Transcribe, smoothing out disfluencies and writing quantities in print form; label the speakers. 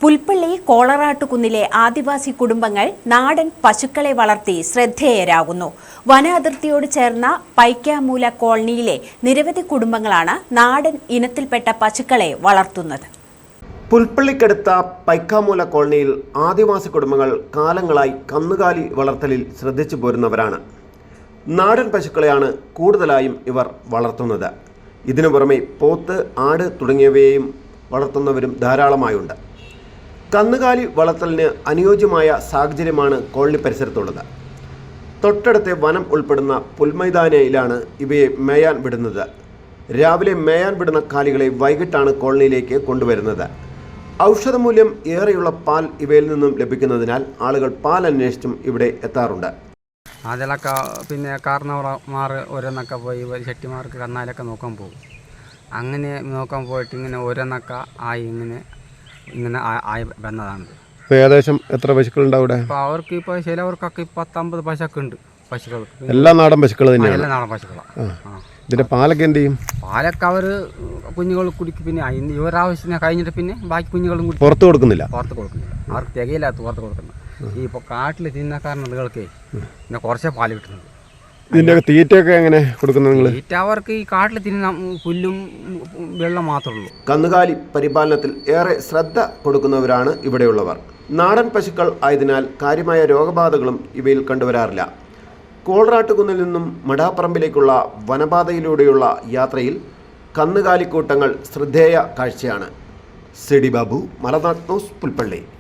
Speaker 1: പുൽപ്പള്ളി കോളറാട്ടുകുന്നിലെ ആദിവാസി കുടുംബങ്ങൾ നാടൻ പശുക്കളെ വളർത്തി ശ്രദ്ധേയരാകുന്നു. വന അതിർത്തിയോട് ചേർന്ന പൈക്കാമൂല കോളനിയിലെ നിരവധി കുടുംബങ്ങളാണ് നാടൻ ഇനത്തിൽപ്പെട്ട പശുക്കളെ വളർത്തുന്നത്.
Speaker 2: പുൽപ്പള്ളിക്കടുത്ത പൈക്കാമൂല കോളനിയിൽ ആദിവാസി കുടുംബങ്ങൾ കാലങ്ങളായി കന്നുകാലി വളർത്തലിൽ ശ്രദ്ധിച്ചു പോരുന്നവരാണ്. നാടൻ പശുക്കളെയാണ് കൂടുതലായും ഇവർ വളർത്തുന്നത്. ഇതിനു പുറമെ പോത്ത്, ആട് തുടങ്ങിയവയെയും വളർത്തുന്നവരും ധാരാളമായുണ്ട്. കന്നുകാലി വളർത്തലിന് അനുയോജ്യമായ സാഹചര്യമാണ് കോളനി പരിസരത്തുള്ളത്. തൊട്ടടുത്തെ വനം ഉൾപ്പെടുന്ന പുൽമൈതാനയിലാണ് ഇവയെ മേയാൻ വിടുന്നത്. രാവിലെ മേയാൻ വിടുന്ന കാലികളെ വൈകിട്ടാണ് കോളനിയിലേക്ക് കൊണ്ടുവരുന്നത്. ഔഷധമൂല്യം ഏറെയുള്ള പാൽ ഇവയിൽ നിന്നും ലഭിക്കുന്നതിനാൽ ആളുകൾ പാൽ അന്വേഷിച്ചും ഇവിടെ എത്താറുണ്ട്.
Speaker 3: അതിലൊക്കെ പിന്നെ കാരണവന്മാർ ഓരോന്നൊക്കെ പോയി ചെട്ടിമാർക്ക് കന്നാലൊക്കെ നോക്കാൻ പോകും. അങ്ങനെ നോക്കാൻ പോയിട്ട് ഇങ്ങനെ ഓരോന്നൊക്കെ ആയി ഇങ്ങനെ ആയി വന്നതാണ്.
Speaker 2: ഏകദേശം എത്ര പശുക്കളുണ്ട് അവിടെ?
Speaker 3: അപ്പോൾ അവർക്ക് ഇപ്പോൾ ചിലവർക്കൊക്കെ 10-50 പശുക്കൾ ഉണ്ട്. പശുക്കൾക്ക്
Speaker 2: എല്ലാ നാടൻ പശുക്കൾ തന്നെയാണ്?
Speaker 3: എല്ലാ നാടൻ പശുക്കളാണ്.
Speaker 2: ഇതിൻ്റെ പാലൊക്കെ എന്ത് ചെയ്യും?
Speaker 3: പാലൊക്കെ അവർ കുഞ്ഞുങ്ങൾ കുടിക്കും. പിന്നെ അതിന് ഇവരാവശ്യത്തിന് കഴിഞ്ഞിട്ട് പിന്നെ ബാക്കി കുഞ്ഞുങ്ങളും കൂടി
Speaker 2: പുറത്ത് കൊടുക്കുന്നില്ല.
Speaker 3: അവർക്ക് തികയില്ലാത്ത പുറത്ത് കൊടുക്കുന്നത്. ഈ ഇപ്പോൾ കാട്ടിൽ തിന്നക്കാരനുകൾക്ക് പിന്നെ കുറച്ചേ പാല് കിട്ടുന്നുണ്ട്.
Speaker 2: ഇതിൻ്റെ തീറ്റയൊക്കെ എങ്ങനെ കൊടുക്കുന്നത് നിങ്ങൾ?
Speaker 3: തീറ്റ അവർക്ക് ഈ കാട്ടിൽ തിന്ന പുല്ലും വെള്ളം മാത്രമേ ഉള്ളൂ.
Speaker 2: കന്നുകാലി പരിപാലനത്തിൽ ഏറെ ശ്രദ്ധ കൊടുക്കുന്നവരാണ് ഇവിടെയുള്ളവർ. നാടൻ പശുക്കൾ ആയതിനാൽ കാര്യമായ രോഗബാധകളും ഇവയിൽ കണ്ടുവരാറില്ല. കോളറാട്ടുകുന്നിൽ നിന്നും മടാപ്പറമ്പിലേക്കുള്ള വനപാതയിലൂടെയുള്ള യാത്രയിൽ കന്നുകാലിക്കൂട്ടങ്ങൾ ശ്രദ്ധേയ കാഴ്ചയാണ്. CD Babu, Malanad news, Pulpally.